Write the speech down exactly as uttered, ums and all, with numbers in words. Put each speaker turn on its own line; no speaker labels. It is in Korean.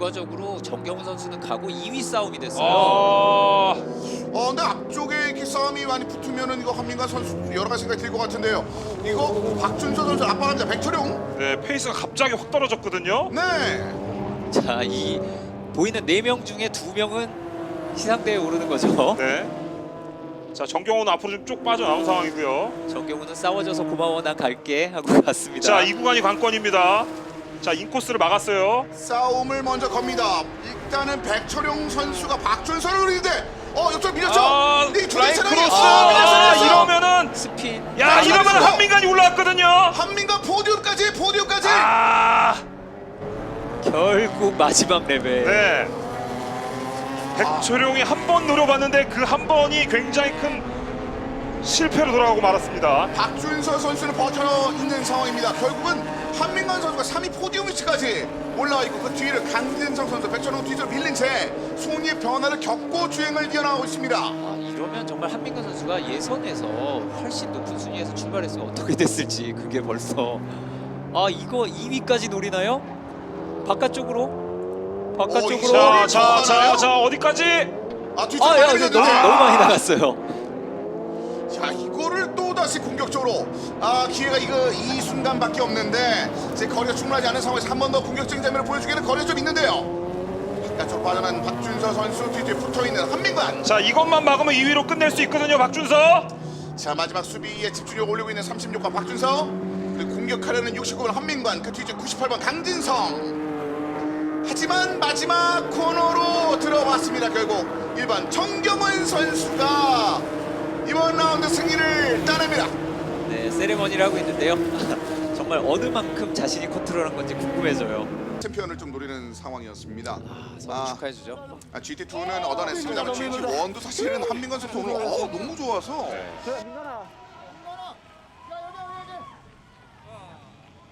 결과적으로 정경훈 선수는 가고 이 위 싸움이 됐어요.
아,
어, 근데 앞쪽에 이렇게 싸움이 많이 붙으면은 이거 한민관 선수 여러 가지 생각이 들 것 같은데요. 이거 박준서 선수 압박합니다. 백철용.
네, 페이스가 갑자기 확 떨어졌거든요.
네.
자, 이 보이는 네 명 중에 두 명은 시상대에 오르는 거죠.
네. 자, 정경훈은 앞으로 좀 쭉 빠져나온 상황이고요.
정경훈은 싸워줘서 고마워 난 갈게 하고 갔습니다.
자, 이 구간이 관건입니다. 자, 인코스를 막았어요.
싸움을 먼저 겁니다. 일단은 백철용 선수가 박준서를 노리는데 어, 옆쪽 밀렸죠?
아,
근데 이
라인
차량이-
크로스.
아, 밀렸어요,
아,
밀렸어요.
이러면은
스핀.
야,
아,
이러면
잘했어.
한민관이 올라왔거든요.
한민관 포디움까지 포디움까지.
아,
결국 마지막 레벨.
네. 백철용이 한 번 노려봤는데 그 한 번이 굉장히 큰 실패로 돌아가고 말았습니다.
박준서 선수는 버텨 있는 상황입니다. 결국은 한민관 선수가 삼 위 포디움 위치까지 올라와 있고 그 뒤를 강진성 선수, 백철용 뒤로 밀린 채 송이의 변화를 겪고 주행을 이어나가고 있습니다.
아, 이러면 정말 한민관 선수가 예선에서 훨씬 높은 순위에서 출발했으면 어떻게 됐을지 그게 벌써 아 이거 이 위까지 노리나요? 바깥쪽으로? 바깥쪽으로?
이거-
자, 자, 자, 자, 어디까지?
아, 뒤쪽
아, 야,
많이
이거
밀렸는데.
너무, 너무 많이 나갔어요.
자, 이거를 또 다시 공격적으로 아, 기회가 이거 이 순간밖에 없는데 제 거리가 충분하지 않은 상황에서 한 번 더 공격적인 장면을 보여주기에는 거리가 좀 있는데요. 바깥쪽 빠져난 박준서 선수 뒤뒤에 붙어있는 한민관.
자, 이것만 막으면 이 위로 끝낼 수 있거든요, 박준서.
자, 마지막 수비에 집중력 올리고 있는 삼십육 번 박준서, 그리고 공격하려는 육십구 번 한민관, 그 뒤에 구십팔 번 강진성. 하지만 마지막 코너로 들어왔습니다. 결국 일 번 정경원 선수가 이번 라운드 승리를 따냅니다.
네, 세레머니를 하고 있는데요. 정말 어느 만큼 자신이 컨트롤한 건지 궁금해져요.
챔피언을 좀 노리는 상황이었습니다.
아, 서로
아.
축하해주죠.
아, 지티이는 얻어냈습니다만 지티이 일도 사실은 한민관 선수 오늘 어, 너무 좋아서
그래 민간아